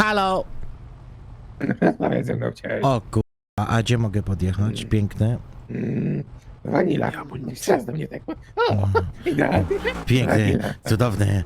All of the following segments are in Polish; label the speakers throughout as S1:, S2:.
S1: Halo!
S2: Rozmawiaj ze mną chciałeś.
S1: O kurwa, a gdzie mogę podjechać? Piękne.
S2: Wanila. Teraz do mnie tak. O, idealnie.
S1: Piękne,
S2: Wanila.
S1: cudowne.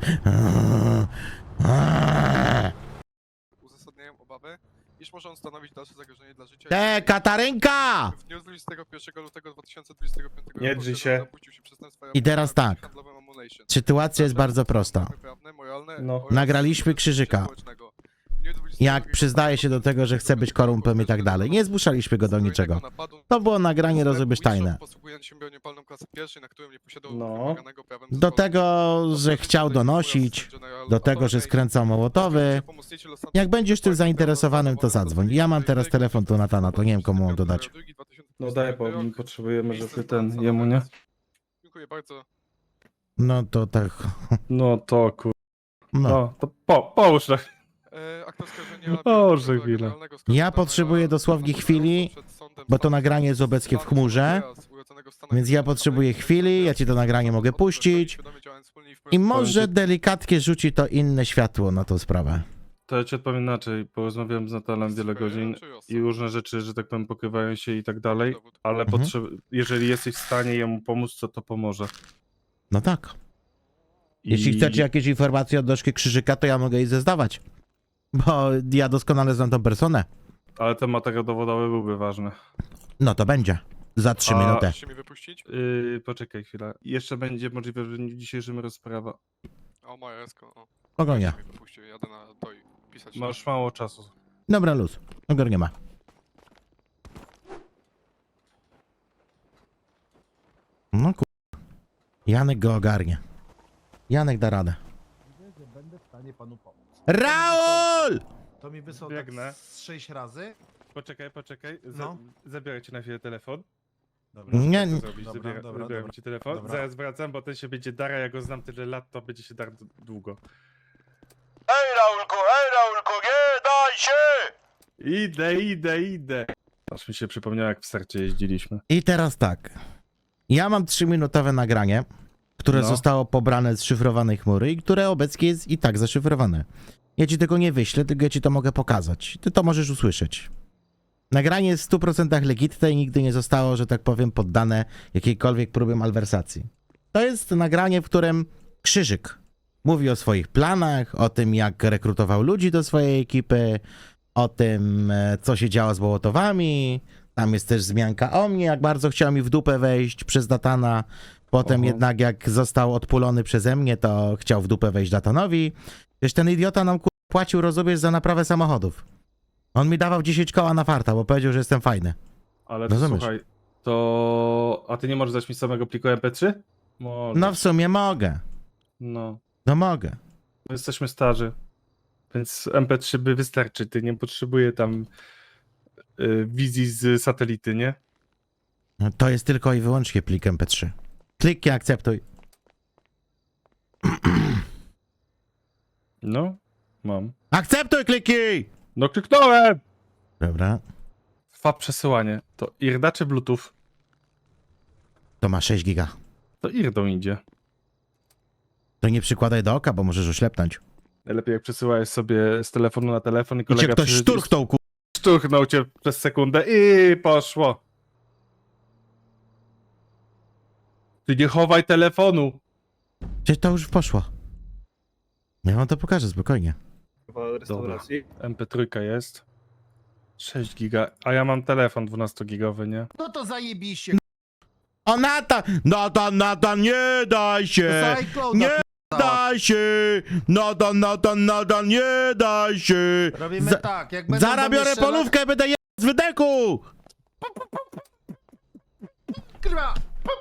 S3: Uzasadniają obawy, iż może on stanowić dalsze zagrożenie dla życia.
S1: Katarynka!
S3: W dniu 21 lutego 2025 roku
S4: Nie drzyj się.
S3: dopuścił się przestępstwa
S1: I teraz tak.
S3: handlowym Ammunition.
S1: Sytuacja jest bardzo prosta.
S3: Prawne, moralne
S4: No.
S3: oraz
S1: Nagraliśmy Krzyżyka.
S3: społecznego. W dniu 22
S1: Jak przyznaje się do tego, że chce być korumpem i tak dalej. Nie zmuszaliśmy go do niczego. To było nagranie rozubysztajne.
S3: Posługując się bronią palną klasy pierwszej, na którą nie posiadał
S4: No.
S3: wymaganego prawem
S1: Do
S3: zezwolenia.
S1: tego, że chciał donosić, do tego, że skręcał mołotowy. Jak będziesz tym zainteresowanym, to zadzwoń. Ja mam teraz telefon tu Natana, to nie wiem komu mam dodać.
S4: No daj, bo potrzebujemy, żeby ten, jemu, nie?
S3: Dziękuję bardzo.
S1: No to tak.
S4: No to kur...
S1: No.
S4: No, to połóż na...
S3: Akt oskarżenia
S4: Boże,
S3: biorącego
S4: chwilę.
S3: generalnego
S1: Ja
S3: skazania
S1: potrzebuję dosłownie chwili,
S3: przed sądem
S1: bo to
S3: stanu
S1: nagranie jest obecnie w chmurze,
S3: urodzonego w Stanach
S1: więc ja potrzebuję chwili, ja ci to nagranie mogę puścić i może delikatnie rzuci to inne światło na tą sprawę.
S4: To ja ci odpowiem inaczej, bo rozmawiałem z Natalem wiele godzin i różne rzeczy, że tak powiem, pokrywają się i tak dalej, ale jeżeli jesteś w stanie jemu pomóc, to pomoże.
S1: No tak. Jeśli chcecie jakieś informacje od Doszki Krzyżyka, to ja mogę jej zezdawać. Bo ja doskonale znam tą personę.
S4: Ale ten materiał dowodowy byłby ważny.
S1: No to będzie. Za 3 minuty.
S3: Chcecie mi wypuścić?
S4: Poczekaj chwilę. Jeszcze będzie możliwe, że w dniu dzisiejszym rozprawa.
S3: O, moja esko. O.
S1: Spokojnie.
S3: Mi wypuścił, jadę na to i pisać.
S4: Masz mało czasu.
S1: Dobra, luz. Nie ma. No kur... Janek go ogarnie. Janek da radę.
S5: Będę w stanie panu pomóc.
S1: Raul!
S5: To mi wysłał
S4: Biegnę.
S5: tak z 6 razy.
S4: Poczekaj.
S5: No.
S4: Zabiorę ci na chwilę telefon.
S5: Dobra.
S1: Nie,
S4: Co zrobić?
S5: Dobra, dobra,
S4: Zabieram
S5: dobra.
S4: ci telefon.
S5: Dobra.
S4: Zaraz wracam, bo ten się będzie dara, ja go znam tyle lat, to będzie się dar długo.
S6: Hej Raulku, nie daj się!
S4: Idę. Aż mi się przypomniało, jak w starcie jeździliśmy.
S1: I teraz tak. Ja mam 3-minutowe nagranie, które
S4: No.
S1: zostało pobrane z szyfrowanej chmury i które obecnie jest i tak zaszyfrowane. Ja ci tego nie wyślę, tylko ja ci to mogę pokazać. Ty to możesz usłyszeć. Nagranie jest w 100% legitne i nigdy nie zostało, że tak powiem, poddane jakiejkolwiek próbie malwersacji. To jest nagranie, w którym Krzyżyk mówi o swoich planach, o tym, jak rekrutował ludzi do swojej ekipy, o tym, co się działo z Wołotowami. Tam jest też wzmianka o mnie, jak bardzo chciał mi w dupę wejść przez Datana. Potem
S4: Oho.
S1: jednak jak został odpulony przeze mnie, to chciał w dupę wejść Datanowi. Wiesz, ten idiota nam płacił, rozumiesz, za naprawę samochodów. On mi dawał 10 koła na farta, bo powiedział, że jestem fajny.
S4: Ale to
S1: Rozumiesz?
S4: słuchaj, to... A ty nie możesz dać mi samego pliku MP3? Możesz.
S1: No w sumie mogę.
S4: No.
S1: No mogę.
S4: My jesteśmy starzy. Więc MP3 by wystarczy, ty nie potrzebuje tam wizji z satelity, nie?
S1: No, to jest tylko i wyłącznie plik MP3. Kliknij, akceptuj.
S4: No, mam.
S1: Akceptuj, kliknij!
S4: No kliknąłem!
S1: Dobra.
S4: Trwa przesyłanie. To IRDA czy Bluetooth?
S1: To ma 6 giga.
S4: To IRDą idzie.
S1: To nie przykładaj do oka, bo możesz oślepnąć.
S4: Najlepiej jak przesyłałeś sobie z telefonu na telefon i
S1: I cię
S4: kolega
S1: ktoś szturchnął, ku...
S4: szturchnął cię przez sekundę i poszło. Ty nie chowaj telefonu.
S1: Gdzieś to już poszło. Ja wam to pokażę, spokojnie.
S4: restauracji. MP3 jest. 6 giga, a ja mam telefon 12-gigowy, nie?
S5: No to zajebiście.
S1: O, Natan, nie daj się!
S5: Cyclone,
S1: Nie daj się! Natan, nie daj się!
S5: Robimy
S1: Za-
S5: tak, jak będą
S1: Zaraz
S5: do mnie
S1: biorę
S5: strzelać-
S1: polówkę, będę je z wydeku!
S5: Kurwa!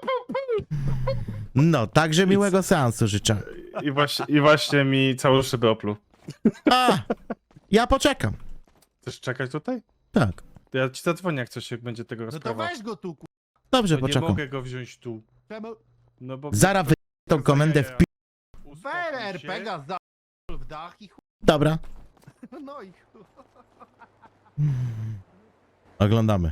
S1: No, także miłego seansu życzę.
S4: I właśnie mi całą szybę opluł.
S1: A, ja poczekam.
S4: Chcesz czekać tutaj?
S1: Tak,
S4: To ja ci zadzwonię, jak coś, jak będzie tego
S5: No to
S4: rozprawa.
S5: weź go tu,
S1: dobrze,
S4: No nie
S1: poczekam.
S4: mogę go wziąć tu.
S5: Czemu?
S4: No bo...
S1: Zaraz wy... tą komendę w pi...
S4: Uspokój
S5: Weź
S4: się.
S5: RPGa za w dach i
S1: Dobra,
S5: No i chuj.
S1: oglądamy.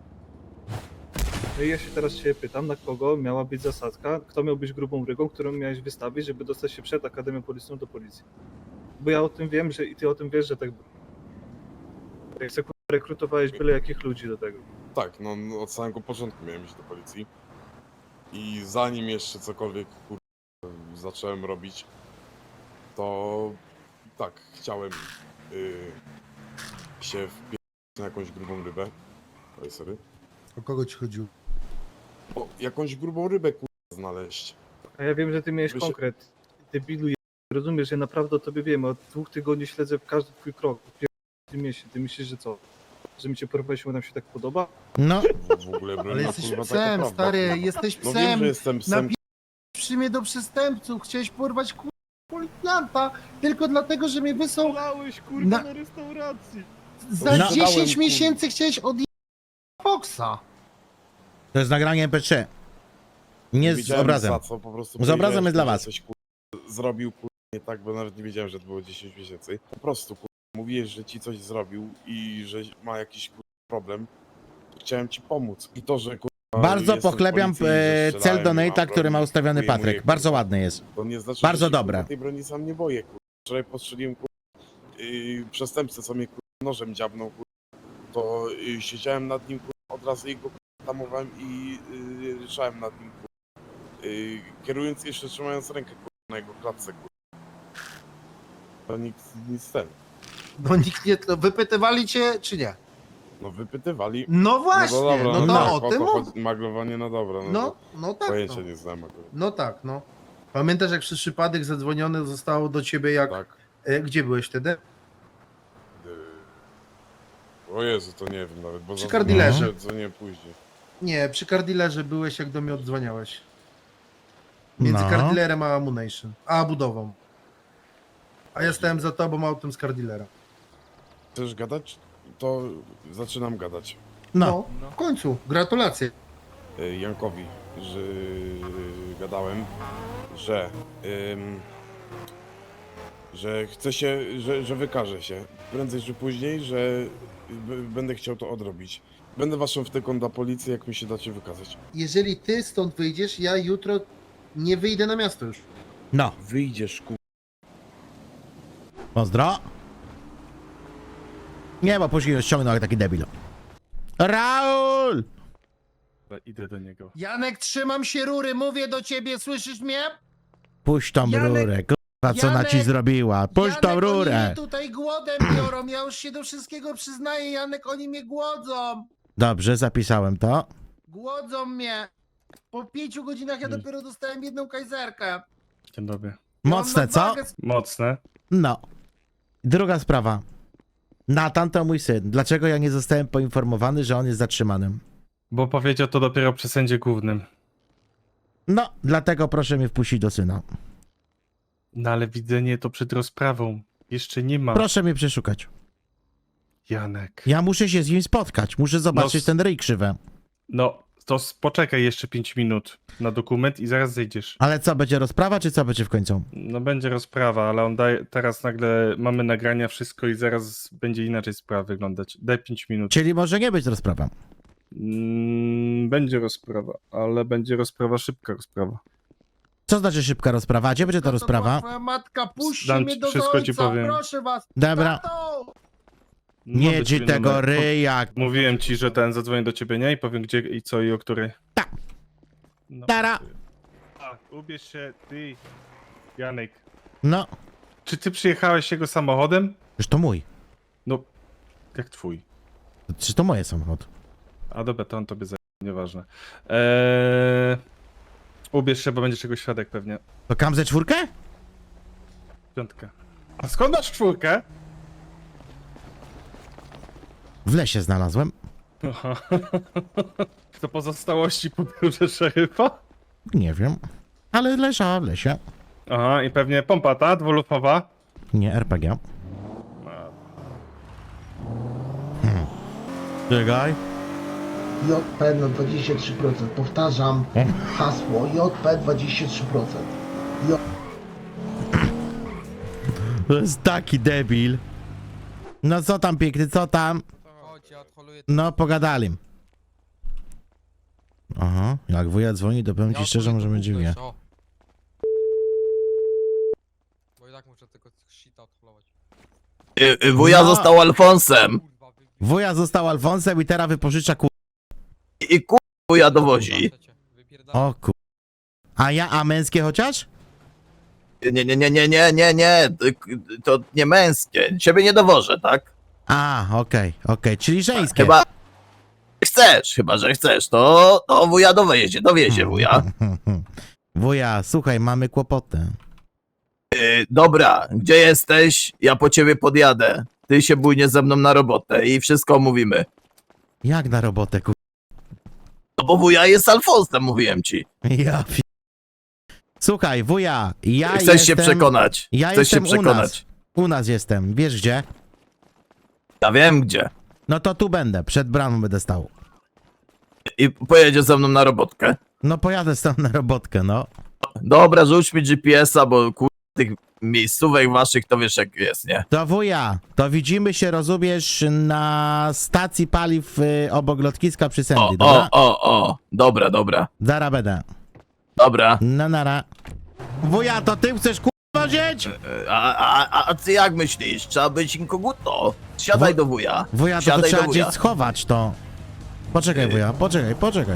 S7: Ja się teraz ciebie pytam, na kogo miała być zasadzka, kto miał być grubą rygą, którą miałeś wystawić, żeby dostać się przed Akademią Policyjną do policji. Bo ja o tym wiem, że i ty o tym wiesz, że tak było. Jak se kurwa, rekrutowałeś byle jakich ludzi do tego.
S8: Tak, no od samego początku miałem iść do policji. I zanim jeszcze cokolwiek zacząłem robić, to tak, chciałem się wpierdolić na jakąś grubą rybę. Oj, sorry.
S5: O kogo ci chodziło?
S8: O, jakąś grubą rybę znaleźć.
S7: A ja wiem, że ty miałeś
S8: Wy się-
S7: konkret. Debilu, rozumiesz, ja naprawdę o tobie wiem. Od 2 tygodni śledzę każdy twój krok. W tym mieście. Ty myślisz, że co? Że mi cię porwałeś, bo nam się tak podoba?
S1: No,
S8: W ogóle broń,
S5: Ale
S8: no,
S5: jesteś
S8: kurwa, taka
S5: psem,
S8: prawda,
S5: stary,
S8: kurwa.
S5: jesteś
S8: No wiem,
S5: psem.
S8: że jestem psem.
S5: Przy mnie do przestępców. Chciałeś porwać policjanta tylko dlatego, że mnie wysłał.
S7: Polałeś
S5: kurwa, Na-
S7: na restauracji.
S5: Za
S1: No.
S5: 10 miesięcy chciałeś od Foxa.
S1: to jest nagranie MP3. Nie z
S8: wiedziałem
S1: obrazem.
S8: Za co, po prostu
S1: Z obrazem
S8: powiedziałem,
S1: jest dla
S8: że
S1: was.
S8: Coś, zrobił nie tak, bo nawet nie wiedziałem, że to było 10 miesięcy. Po prostu mówiłeś, że ci coś zrobił i że ma jakiś problem. Chciałem ci pomóc. I to, że
S1: Bardzo
S8: jestem w
S1: poklepiam
S8: policji, że
S1: cel
S8: strzelałem, nie
S1: donata,
S8: mam
S1: który ma
S8: broni,
S1: ustawiony
S8: kupuję mu
S1: Patryk.
S8: je,
S1: Bardzo
S8: kurwa.
S1: ładny jest.
S8: To nie znaczy,
S1: Bardzo
S8: że się,
S1: dobre.
S8: kurwa, tej broni sam nie boję. Wczoraj postrzeliłem przestępcę, co mnie nożem dziabnął. To siedziałem nad nim od razu i go tamowałem i ryszałem nad nim. Kierując jeszcze trzymając rękę na jego klatce. To nic ten.
S5: No nikt nie. To wypytywali cię, czy nie?
S8: No wypytywali.
S5: No właśnie,
S8: No to dobra,
S5: no to
S8: tak,
S5: o tym
S8: to
S5: mów.
S8: chodzi. Maglowanie, no dobra.
S5: No tak.
S8: Pojęcia
S5: No.
S8: nie znam akurat.
S5: No tak, no. Pamiętasz, jak przez przypadek zadzwonione zostało do ciebie, jak.
S8: Tak.
S5: Gdzie byłeś wtedy?
S8: O Jezu, to nie wiem nawet, bo
S5: Przy kardilerze.
S8: Co nie później.
S5: Nie, przy kardilerze byłeś, jak do mnie oddzwaniałeś. Między
S1: No.
S5: kardilerem a Ammunition. A budową. A ja stałem za tobą autem z kardilera.
S8: Chcesz gadać? To zaczynam gadać.
S1: No,
S5: W końcu, gratulacje.
S8: Jankowi, że gadałem, że chcę się, że wykażę się. Prędzej czy później, że będę chciał to odrobić. Będę waszą wtyką dla policji, jak mi się dacie wykazać.
S5: Jeżeli ty stąd wyjdziesz, ja jutro nie wyjdę na miasto już.
S1: no.
S8: Wyjdziesz,
S1: Pozdro. Nie, bo później już ściągnął jak taki debil. Raul!
S4: Idę do niego.
S5: Janek, trzymam się rury, mówię do ciebie, słyszysz mnie?
S1: Puść tą
S5: Janek-
S1: rurę, kurwa, co ona ci
S5: Janek-
S1: zrobiła. Puść tą
S5: Janek, Oni
S1: rurę.
S5: mnie tutaj głodem biorą, ja już się do wszystkiego przyznaję, Janek, oni mnie głodzą.
S1: Dobrze, zapisałem to.
S5: Głodzą mnie. Po 5 godzinach ja dopiero dostałem jedną kajzerkę.
S4: Dzień dobry.
S5: Ja mam
S1: Mocne, co?
S5: nadwagę.
S4: Mocne.
S1: No. Druga sprawa. Natan to mój syn. Dlaczego ja nie zostałem poinformowany, że on jest zatrzymanym?
S4: Bo powiedział to dopiero przy sędzie głównym.
S1: No, dlatego proszę mnie wpuścić do syna.
S4: No ale widzenie to przed rozprawą. Jeszcze nie ma.
S1: Proszę mnie przeszukać.
S4: Janek.
S1: Ja muszę się z nim spotkać. Muszę zobaczyć
S4: No,
S1: ten ryj krzywe.
S4: No, to poczekaj jeszcze 5 minut na dokument i zaraz zejdziesz.
S1: Ale co, będzie rozprawa, czy co będzie w końcu?
S4: No będzie rozprawa, ale on daje, teraz nagle mamy nagrania, wszystko i zaraz będzie inaczej sprawa wyglądać. Daj 5 minut.
S1: Czyli może nie być rozprawa.
S4: Będzie rozprawa, ale będzie rozprawa, szybka rozprawa.
S1: Co znaczy szybka rozprawa? A gdzie będzie ta
S5: To
S1: rozprawa?
S5: Twoja matka, puść
S4: Dam
S5: mnie
S4: ci-
S5: do
S4: wszystko ci
S5: ojca,
S4: powiem.
S5: proszę was.
S1: Dobra.
S5: Tato!
S1: Nie
S4: Mogę
S1: ci
S4: ci
S1: tego
S4: numer-
S1: ryja.
S4: Mówiłem ci, że ten zadzwoni do ciebie, nie? I powiem gdzie i co i o której.
S1: Tak.
S4: No.
S1: Tara.
S4: A, ubierz się, ty, Janek.
S1: No,
S4: Czy ty przyjechałeś jego samochodem?
S1: już to mój.
S4: No, jak twój.
S1: Czy to moje samochód?
S4: A dobra, to on tobie zajmie, nieważne. Ubierz się, bo będzie czegoś świadek pewnie.
S1: To kam ze czwórkę?
S4: Piątkę. A skąd masz czwórkę?
S1: W lesie znalazłem.
S4: Aha. To pozostałości po biurze szeryfa?
S1: Nie wiem. Ale leżała w lesie.
S4: Aha, i pewnie pompa ta, dwulufowa.
S1: Nie, RPG. Czekaj.
S5: JP na 23%. Powtarzam hasło JP 23%.
S1: To jest taki debil. No co tam piękny, co tam? No, pogadali. Aha, jak wuja dzwoni, to powiem ci szczerze, może będzie wie.
S9: Wuja
S1: No.
S9: został Alfonsem.
S1: Wuja został Alfonsem i teraz wypożycza
S6: I wuja dowozi.
S1: O a męskie chociaż?
S6: Nie, to nie męskie. Ciebie nie dowożę, tak?
S1: A, okej, czyli żeńskie.
S6: Chyba że chcesz, to wuja dowiezie wuja.
S1: Wuja, słuchaj, mamy kłopoty.
S6: Dobra, gdzie jesteś? Ja po ciebie podjadę. Ty się bójnie ze mną na robotę i wszystko omówimy.
S1: Jak na robotę,
S6: No bo wuja jest Alfonsem, mówiłem ci.
S1: Ja Słuchaj, wuja, ja
S6: Chcesz
S1: jestem...
S6: się przekonać.
S1: Ja
S6: Chcesz się
S1: jestem
S6: przekonać.
S1: U nas jestem, wiesz gdzie?
S6: Ja wiem gdzie.
S1: No to tu będę, przed bramą będę stał.
S6: I pojedziesz ze mną na robotkę.
S1: No pojadę stąd na robotkę, no.
S6: Dobra, rzuć mi GPS-a, bo tych miejscówek waszych to wiesz jak jest, nie?
S1: To wuja, to widzimy się, rozumiesz, na stacji paliw obok lotniska przy Sandy, dobra?
S6: Dobra.
S1: Zara będę.
S6: Dobra.
S1: No nara. Wuja, to ty chcesz wozić?
S6: A ty jak myślisz? Trzeba być inkoguto. Siadaj do wuja.
S1: Wuja, to
S6: Siadaj
S1: trzeba
S6: do wuja.
S1: gdzieś schować to. Poczekaj, wuja, poczekaj.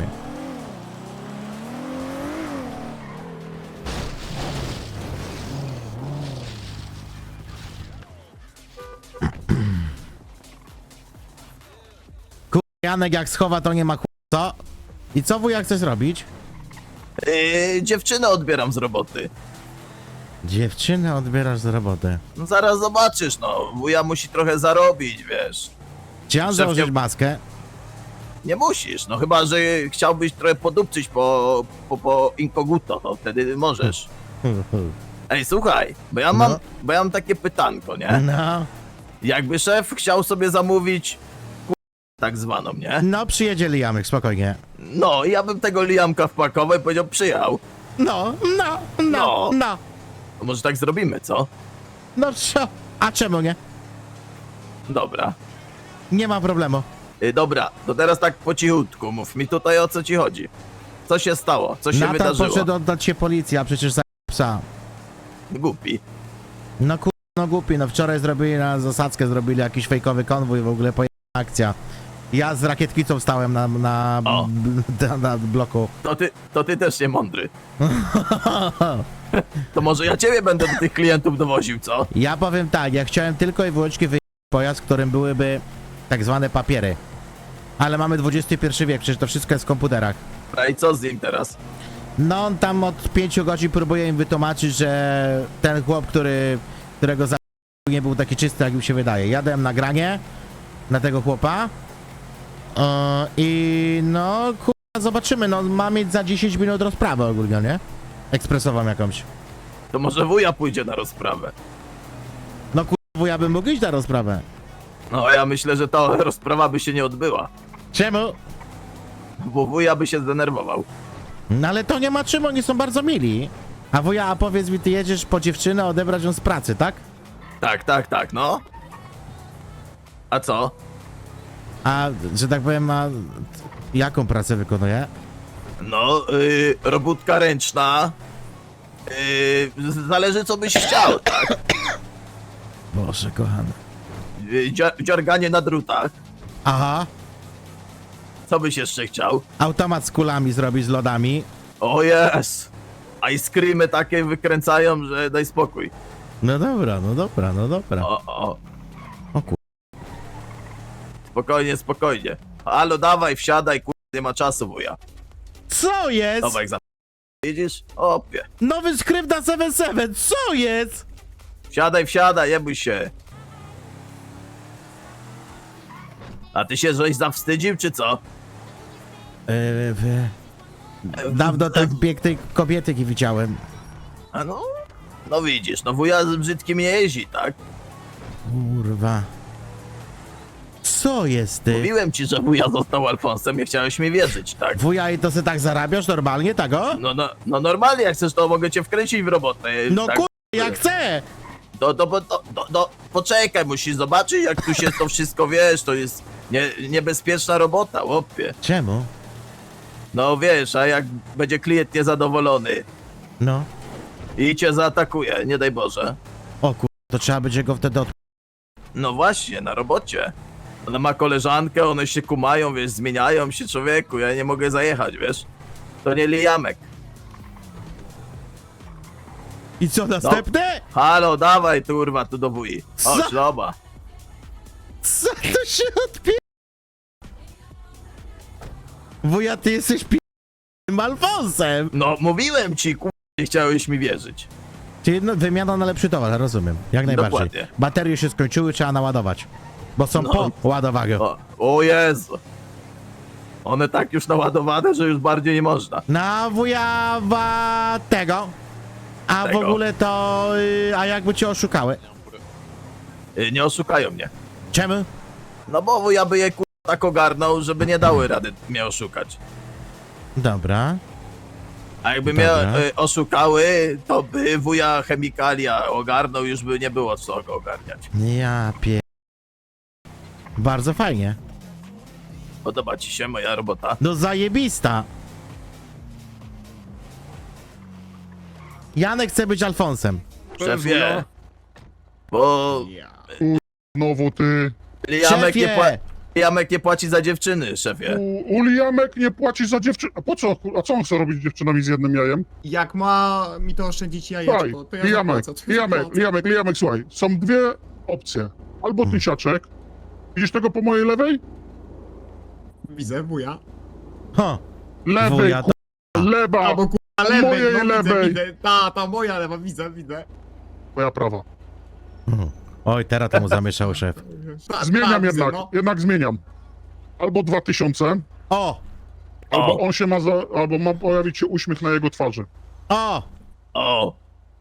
S1: Janek jak schowa, to nie ma co? I co wuja chcesz robić?
S6: Dziewczynę odbieram z roboty.
S1: Dziewczynę odbierasz z roboty.
S6: No zaraz zobaczysz, no. Wuja musi trochę zarobić, wiesz.
S1: Chciałem
S6: Szef
S1: założyć
S6: nie-
S1: maskę.
S6: Nie musisz, no chyba, że chciałbyś trochę podupczyć po inkoguto, to wtedy możesz. Ej, słuchaj, bo ja mam,
S1: No.
S6: bo ja mam takie pytanko, nie?
S1: No,
S6: Jakby szef chciał sobie zamówić tak zwaną, nie?
S1: no przyjedzie Liamek, spokojnie.
S6: No, ja bym tego Liamka wpakował i powiedział, przyjechał.
S1: No.
S6: No.
S1: No
S6: To może tak zrobimy, co?
S1: co? A czemu nie?
S6: Dobra.
S1: Nie ma problemu.
S6: Dobra, to teraz tak po cichutku, mów mi tutaj o co ci chodzi. Co się stało? Co się
S1: Natan
S6: wydarzyło?
S1: poszedł oddać się policji, a przecież za psa.
S6: Głupi.
S1: No no głupi, no wczoraj zrobili na zasadzkę, zrobili jakiś fejkowy konwój, w ogóle pojechała akcja. Ja z rakietkicą stałem na
S6: O.
S1: na bloku.
S6: To ty też nie mądry. To może ja ciebie będę do tych klientów dowoził, co?
S1: Ja powiem tak, ja chciałem tylko i wyłącznie wyjechać pojazd, w którym byłyby tak zwane papiery. Ale mamy XXI wiek, przecież to wszystko jest w komputerach.
S6: A i co z nim teraz?
S1: No on tam od 5 godzin próbuje im wytłumaczyć, że ten chłop, którego za nie był taki czysty, jak mi się wydaje. Jadłem nagranie na tego chłopa i no kurwa zobaczymy, no ma mieć za 10 minut rozprawę ogólnie, nie? Ekspresową jakąś.
S6: To może wuja pójdzie na rozprawę.
S1: No kurwa, ja bym mógł iść na rozprawę.
S6: No ja myślę, że ta rozprawa by się nie odbyła.
S1: Czemu?
S6: Bo wuja by się zdenerwował.
S1: No ale to nie ma czym, oni są bardzo mili. A wuja, a powiedz mi, ty jedziesz po dziewczynę odebrać ją z pracy, tak?
S6: Tak, no. A co?
S1: A, że tak powiem, a jaką pracę wykonuje?
S6: No, robótka ręczna. Zależy co byś chciał, tak?
S1: Boże, kochany.
S6: Dziarganie na drutach.
S1: Aha,
S6: Co byś jeszcze chciał?
S1: automat z kulami zrobić z lodami.
S6: O jest! Ice creamy takie wykręcają, że daj spokój.
S1: No dobra.
S6: O.
S1: O kur...
S6: Spokojnie. Halo, dawaj, wsiadaj, nie ma czasu, wuja.
S1: Co jest?
S6: Dawaj, widzisz? Opie.
S1: Nowy skrypt na 77, co jest?
S6: Wsiadaj, nie bój się. A ty się żeś zawstydził, czy co?
S1: Dawno tak pięknej kobiety nie widziałem.
S6: A no widzisz, no wuja z brzydkim nie jeździ, tak?
S1: Kurwa. Co jest ty?
S6: Mówiłem ci, że wuja został Alfonsem, nie chciałeś mi wierzyć, tak?
S1: Wuja, i to se tak zarabiasz normalnie, tak o?
S6: No normalnie, jak chcesz, to mogę cię wkręcić w robotę.
S1: No
S6: tak?
S1: kurwa, jak chcę!
S6: Poczekaj, musisz zobaczyć, jak tu się to wszystko, wiesz, to jest niebezpieczna robota, łopie.
S1: Czemu?
S6: No wiesz, a jak będzie klient niezadowolony
S1: No.
S6: i cię zaatakuje, nie daj Boże.
S1: O kurwa, to trzeba będzie go wtedy
S6: No właśnie, na robocie. Ona ma koleżankę, one się kumają, wiesz, zmieniają się, człowieku, ja nie mogę zajechać, wiesz. To nie Liamek.
S1: I co, następne?
S6: Halo, dawaj, kurwa, tu do wuji. Chodź,
S1: Co?
S6: dobra.
S1: Co to się odpie... Wuja, ty jesteś Alfonsem!
S6: No, mówiłem ci, kurwa, nie chciałeś mi wierzyć.
S1: Czyli no, wymiana na lepszy towar, rozumiem. Jak najbardziej.
S6: Dokładnie.
S1: Baterie się skończyły, trzeba naładować. Bo są
S6: No.
S1: po ładowaniu.
S6: O Jezu. One tak już naładowane, że już bardziej nie można.
S1: Na wuja tego. A w
S6: Tego.
S1: ogóle to... a jakby cię oszukały?
S6: Nie oszukają mnie.
S1: Czemu?
S6: No bo wuja by je, kurwa, tak ogarnął, żeby nie dały rady mnie oszukać.
S1: Dobra.
S6: A jakby mnie
S1: Dobra.
S6: oszukały, to by wuja chemikalia ogarnął, już by nie było co go ogarniać.
S1: Ja pie... Bardzo fajnie.
S6: Podoba ci się moja robota?
S1: No zajebista. Janek chce być Alfonsem.
S6: Szefie, bo
S9: Znowu ty.
S6: Liamek nie płaci za dziewczyny, szefie.
S9: U Liamek nie płaci za dziewczynę. A po co? A co on chce robić z dziewczynami z jednym jajem?
S10: Jak ma mi to oszczędzić
S9: Słuchaj,
S10: jajeczko, to ja
S9: Liamek,
S10: zapłacę. To ja zapłacę.
S9: Liamek, słuchaj. Są dwie opcje. Albo tysiaczek. Widzisz tego po mojej lewej?
S10: Widzę, wuja.
S1: Ho.
S9: Lewej,
S1: Wuja, to...
S9: lewa.
S10: Albo kurwa lewej,
S9: Mojej
S10: no
S9: lewej.
S10: widzę. Ta moja lewa, widzę.
S9: Moja prawa.
S1: Oj, teraz to mu zamieszał szef.
S9: Zmieniam
S10: widzę,
S9: jednak.
S10: no.
S9: Jednak zmieniam. Albo 2000,
S1: O!
S9: albo on się ma albo ma pojawić się uśmiech na jego twarzy.
S1: O!
S6: O,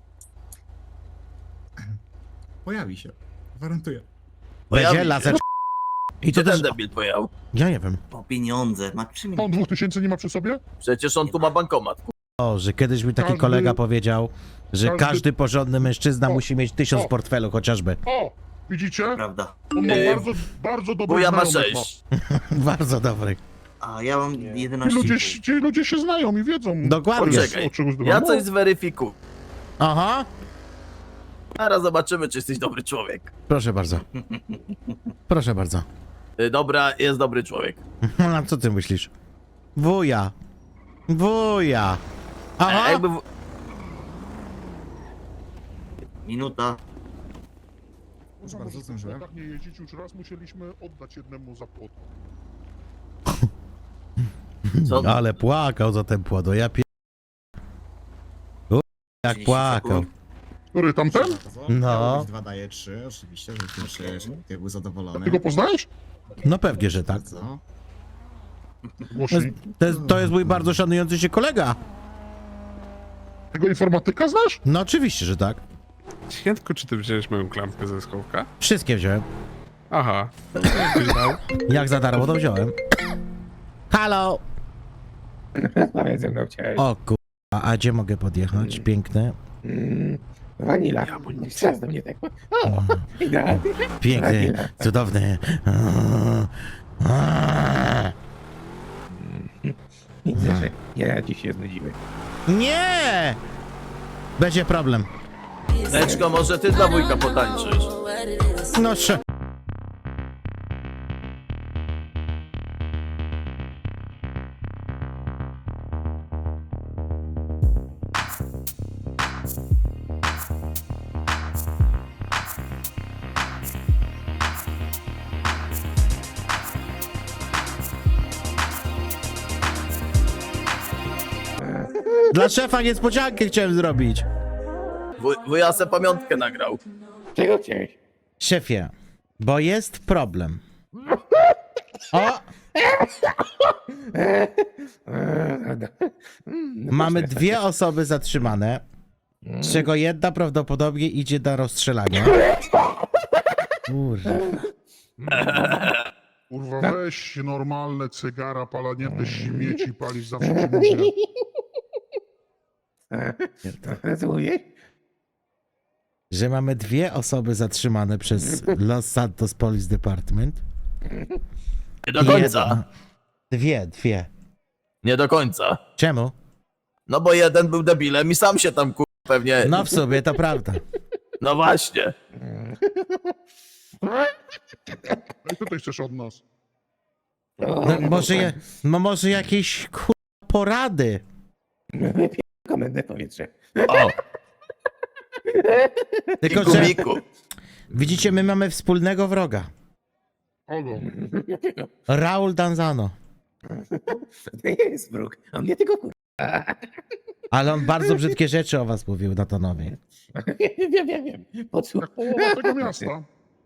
S10: Pojawi się, gwarantuję.
S6: Pojawi
S1: Będzie
S6: się.
S1: laser. I
S6: gdzie
S1: to
S6: ten
S1: też...
S6: debil pojechał?
S1: Ja nie wiem.
S11: Po pieniądze, ma 3
S9: On 2000 nie ma przy sobie?
S6: Przecież on tu ma bankomat.
S1: O, że kiedyś mi taki
S9: Każdy-
S1: kolega powiedział, że
S9: każdy-
S1: każdy porządny mężczyzna
S9: O,
S1: musi mieć 1000 w
S9: o.
S1: portfelu chociażby.
S9: O! Widzicie?
S11: prawda.
S9: On ma
S6: Yy,
S9: bardzo dobry
S6: Wuja ma
S9: znajomych
S6: 6.
S1: Bardzo dobry.
S11: A ja mam
S9: Ci
S11: 11.
S9: ludzie się znają i wiedzą.
S1: Dokładnie.
S6: Poczekaj,
S9: O czym
S6: ja coś zweryfikuję.
S1: Aha.
S6: Zaraz zobaczymy, czy jesteś dobry człowiek.
S1: Proszę bardzo. Proszę bardzo.
S6: Dobra, jest dobry człowiek.
S1: A co ty myślisz? Wuja. Wuja. Aha.
S6: Jakby...
S11: Minuta.
S10: Bardzo zdążyłem.
S9: Tak nie jeździć, już raz musieliśmy oddać jednemu za płot.
S6: Co?
S1: Ale płakał za ten płodo, ja pie... Jak
S11: 30
S1: płakał.
S11: sekund.
S9: Który, tamten?
S1: No.
S10: 2 daje 3, oczywiście, żeby ty był zadowolony.
S9: Ty go poznajesz?
S1: No pewnie, że tak.
S10: Co?
S9: Głośniej.
S1: To jest mój bardzo szanujący się kolega.
S9: Tego informatyka znasz?
S1: No oczywiście, że tak.
S12: Świętku, czy ty wziąłeś moją klamkę ze schowka?
S1: Wszystkie wziąłem.
S12: Aha. Ktoś dał?
S1: Jak za darmo to wziąłem. Halo!
S2: Rozmawiaj ze mną chciałeś.
S1: O kurwa, a gdzie mogę podjechać? Piękne.
S2: Wanila. Teraz do mnie tak. O, idealnie.
S1: Piękne, cudowne.
S2: Widzę, że ja dziś się znudziłem.
S1: Nie! Będzie problem.
S6: Leczko, może ty dla wujka potańczysz?
S1: No Dla szefa niespodziankę chciałem zrobić.
S6: Wuja se pamiątkę nagrał.
S2: Czego chciałeś?
S1: Szefie, bo jest problem. O! Mamy dwie osoby zatrzymane, z czego jedna prawdopodobnie idzie na rozstrzelanie. Kurwa.
S9: Kurwa, weź normalne cygara, palanie te śmieci palisz zawsze przy ludzie.
S2: Co mówisz?
S1: Że mamy dwie osoby zatrzymane przez Los Santos Police Department.
S6: Nie do końca.
S1: Dwie.
S6: Nie do końca.
S1: Czemu?
S6: No bo jeden był debilem i sam się tam pewnie...
S1: No w sobie to prawda.
S6: No właśnie.
S9: No i co ty chcesz od nas?
S1: Może jakieś porady.
S2: Komendne powietrze.
S6: O,
S1: Tylko,
S6: Miku,
S1: że
S6: Miku.
S1: widzicie, my mamy wspólnego wroga.
S9: Kogo?
S1: Raul Danzano.
S2: To nie jest wróg, on mnie tylko
S1: Ale on bardzo brzydkie rzeczy o was mówił Natanowi.
S2: Wiem.
S9: Jak połowa tego miasta.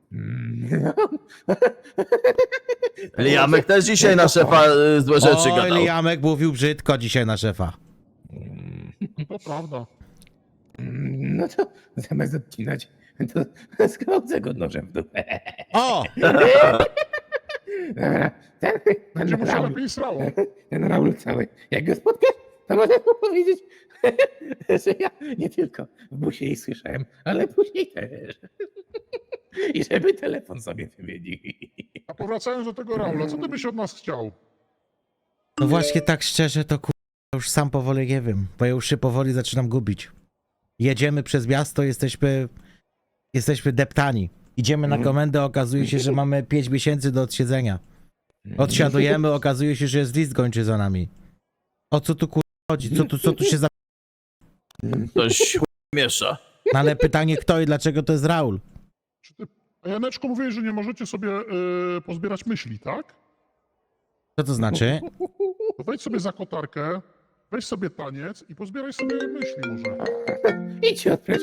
S6: Liamek też dzisiaj na szefa złe rzeczy
S1: Oj,
S6: gadał.
S1: Liamek mówił brzydko dzisiaj na szefa.
S9: To prawda.
S2: No to zamiast odcinać, to skrodzę go nożem w dupę.
S1: O!
S2: Dobra,
S9: Będzie mu się lepiej srało.
S2: ten Raul cały. Jak go spotkasz, to możesz mu powiedzieć, że ja nie tylko w busie jej słyszałem, ale później też. I żeby telefon sobie wymienił.
S9: A powracając do tego Raula, co ty byś od nas chciał?
S1: No właśnie tak szczerze to już sam powoli nie wiem, bo ja już się powoli zaczynam gubić. Jedziemy przez miasto, jesteśmy deptani. Idziemy na komendę, okazuje się, że mamy 5 miesięcy do odsiedzenia. Odsiadujemy, okazuje się, że jest list gończy za nami. O co tu chodzi? Co tu się za...
S6: Ktoś miesza.
S1: No ale pytanie kto i dlaczego to jest Raul?
S9: Czy ty... A Janeczko mówiłeś, że nie możecie sobie pozbierać myśli, tak?
S1: Co to znaczy?
S9: To wejdź sobie za kotarkę, weź sobie taniec i pozbieraj sobie myśli może.
S2: Idź się odprecz.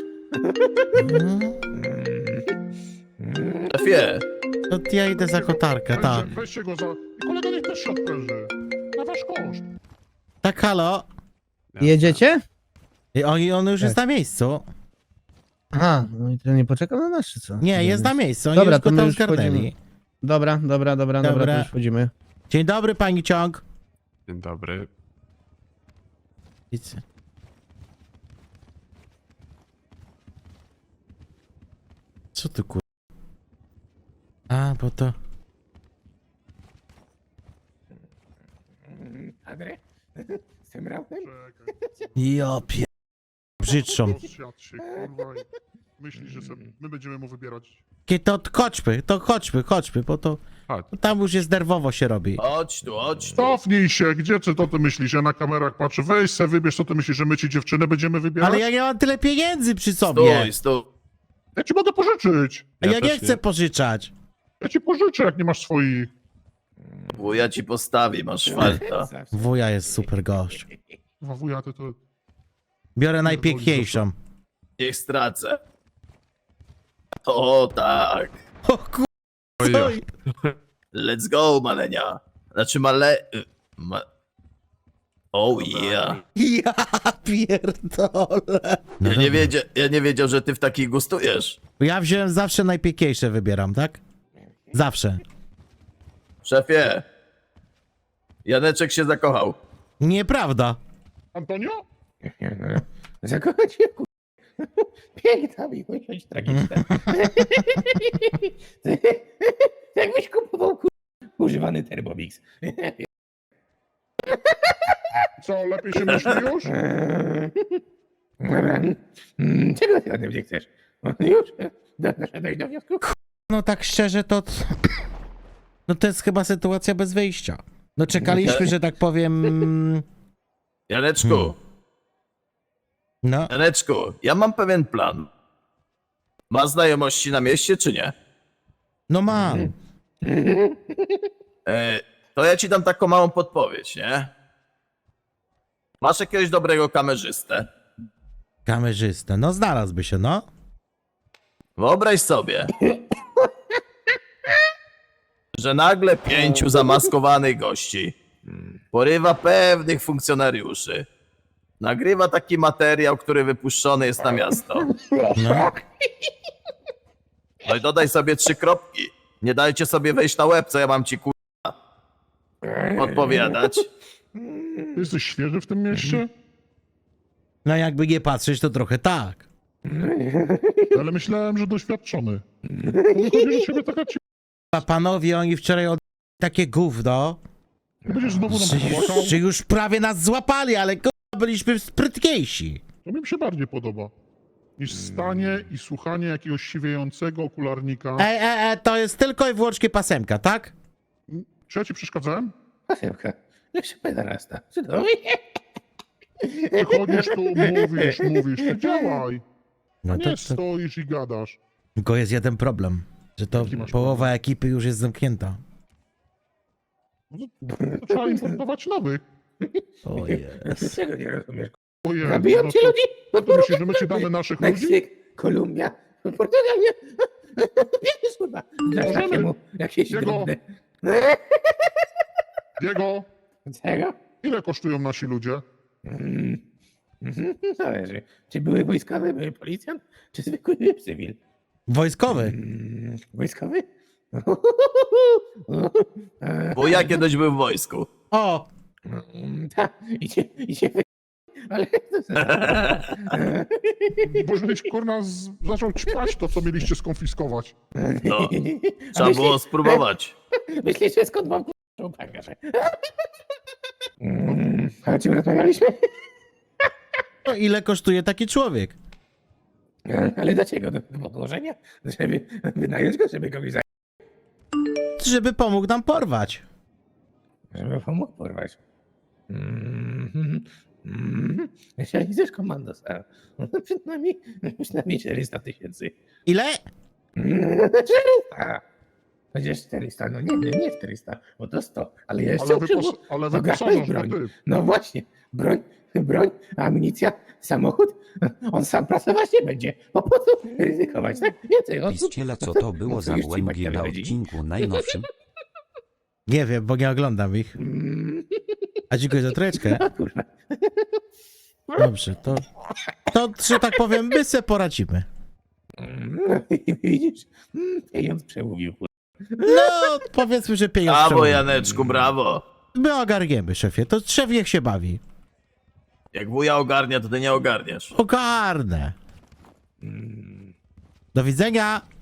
S6: Szefie,
S1: To ja idę za kotarkę, tak.
S9: Weźcie go za... I kolega niech też się odpręży. Na wasz koszt.
S1: Tak, halo?
S13: Jedziecie?
S1: I on już jest na miejscu.
S13: Aha, no i to nie poczekał na nas, czy co?
S1: Nie, jest na miejscu, oni
S13: Dobra,
S1: już go
S13: to my
S1: tam
S13: już
S1: zgarnęli.
S13: wchodzimy. Dobra, to już wchodzimy.
S1: Dzień dobry, pani Ciąg.
S12: Dzień dobry.
S1: Widzę. Co tu A, bo to...
S2: Adre? Z tym Raulem?
S1: Ja brzydszą.
S9: Rozsiadł się, kurwa, i myśli, że sobie... my będziemy mu wybierać.
S1: To chodźmy, bo to
S12: Chodź.
S1: tam już jest nerwowo się robi.
S6: chodź tu.
S9: Cofnij się, gdzie ty to ty myślisz? Ja na kamerach patrzę, weź se wybierz, co ty myślisz, że my ci dziewczynę będziemy wybierać?
S1: Ale ja nie mam tyle pieniędzy przy sobie.
S6: Stój.
S9: Ja ci mogę pożyczyć.
S1: A ja
S12: Ja
S1: nie
S12: też
S1: chcę
S12: nie.
S1: pożyczać.
S9: Ja ci pożyczę, jak nie masz swoich.
S6: Wuja ci postawi, masz falta.
S1: Wuja jest super gość.
S9: Wuja, ty to...
S1: Biorę najpiękniejszą.
S6: Niech stracę. O tak.
S1: O kur...
S12: Oj,
S6: Let's go, malenia. Znaczy Oh yeah.
S1: Ja pierdolę. No
S6: Ja nie wiedział, że ty w takich gustujesz.
S1: Ja wziąłem zawsze najpiękniejsze wybieram, tak? Zawsze.
S6: Szefie. Janeczek się zakochał.
S1: Nieprawda.
S9: Antonio?
S2: Zakochać się, kur... Piękna miłość, tragiczna. Jakbyś kupował, kur... używany Thermomix.
S9: Co, lepiej się myśli już?
S2: Dobra. Czego ty ode mnie chcesz? Już? Doszedłeś do wniosku?
S1: No tak szczerze to... No to jest chyba sytuacja bez wyjścia. No czekaliśmy, że tak powiem...
S6: Janeczku,
S1: No,
S6: ja mam pewien plan. Ma znajomości na mieście, czy nie?
S1: no mam.
S6: To ja ci dam taką małą podpowiedź, nie? Masz jakiegoś dobrego kamerzystę.
S1: Kamerzystę, no znalazłby się, no.
S6: Wyobraź sobie, że nagle 5 zamaskowanych gości porywa pewnych funkcjonariuszy. Nagrywa taki materiał, który wypuszczony jest na miasto.
S1: No,
S6: No i dodaj sobie 3 kropki. Nie dajcie sobie wejść na łeb, co ja mam ci odpowiadać.
S9: Ty jesteś świeży w tym mieście?
S1: no jakby nie patrzeć, to trochę tak.
S9: Ale myślałem, że doświadczony. Wychodzi, że ciebie taka ci...
S1: A panowie, oni wczoraj od... takie gówno,
S9: Ty będziesz znowu nam płakał?
S1: że już prawie nas złapali, ale byliśmy sprytniejsi.
S9: To mi się bardziej podoba. niż stanie i słuchanie jakiegoś siwiejącego okularnika.
S1: To jest tylko i wyłącznie pasemka, tak?
S9: Czy ja ci przeszkadzałem?
S2: Pasemka. Jak się pedarasta. Cudownie.
S9: Przychodzisz tu, mówisz, ty działaj.
S1: No
S9: A
S1: to,
S9: nie
S1: to,
S9: stoisz i gadasz.
S1: tylko jest jeden problem, że to
S9: Jaki masz
S1: połowa ekipy już jest zamknięta.
S9: No to trzeba importować nowych.
S1: O jest.
S2: Czego nie rozumiesz?
S9: Ojej,
S2: Zabiją
S9: no
S2: ci
S9: to,
S2: ludzi? No
S9: ty myślisz, że my ci damy naszych ludzi?
S2: Meksyk, Kolumbia, Portugalia. Wiesz, kurwa, dasz
S9: Możemy.
S2: takiemu jakieś
S9: Jego.
S2: drobne.
S9: Diego,
S2: Czego?
S9: ile kosztują nasi ludzie?
S2: Zależy. Czy były wojskowy, były policjant, czy zwykły cywil?
S1: Wojskowy.
S2: Wojskowy?
S6: Bo ja kiedyś był w wojsku.
S1: O!
S2: Tak, idzie ale
S9: Bo żebyś kurna zaczął ćpać to, co mieliście skonfiskować.
S6: No, trzeba było spróbować.
S2: Myślisz, że skąd mam k***ą bagażę? A o czym rozmawialiśmy?
S1: No ile kosztuje taki człowiek?
S2: Ale dlaczego? Do podłożenia? Żeby wynająć go, żeby kogoś
S1: Żeby pomógł nam porwać.
S2: żeby pomógł porwać. Jeśli chcesz komandos, a przynajmniej 400 000.
S1: Ile?
S2: 400! Chociaż 400, no nie 400, bo to 100, ale ja jeszcze
S9: Ale
S2: Zagrałeś
S9: wyposażasz
S2: broń.
S9: go ty.
S2: No właśnie, broń, amunicja, samochód, on sam pracować nie będzie, bo po co ryzykować, tak? Więcej osób.
S14: Piściela, co to było za
S2: Już ci
S14: łęgi
S2: Maćka
S14: na
S2: wychodzi.
S14: odcinku najnowszym?
S1: Nie wiem, bo nie oglądam ich. A dziękuję za treczkę.
S2: No kurwa.
S1: Dobrze, to że tak powiem, my se poradzimy.
S2: Widzisz? Pieniądz przemówił, kurwa.
S1: No, powiedzmy, że pieniądze.
S6: Brawo,
S1: przemówi.
S6: Janeczku, brawo.
S1: My ogarniemy, szefie. To szef niech się bawi.
S6: Jak wuja ogarnia, to ty nie ogarniasz.
S1: Ogarnę. Do widzenia.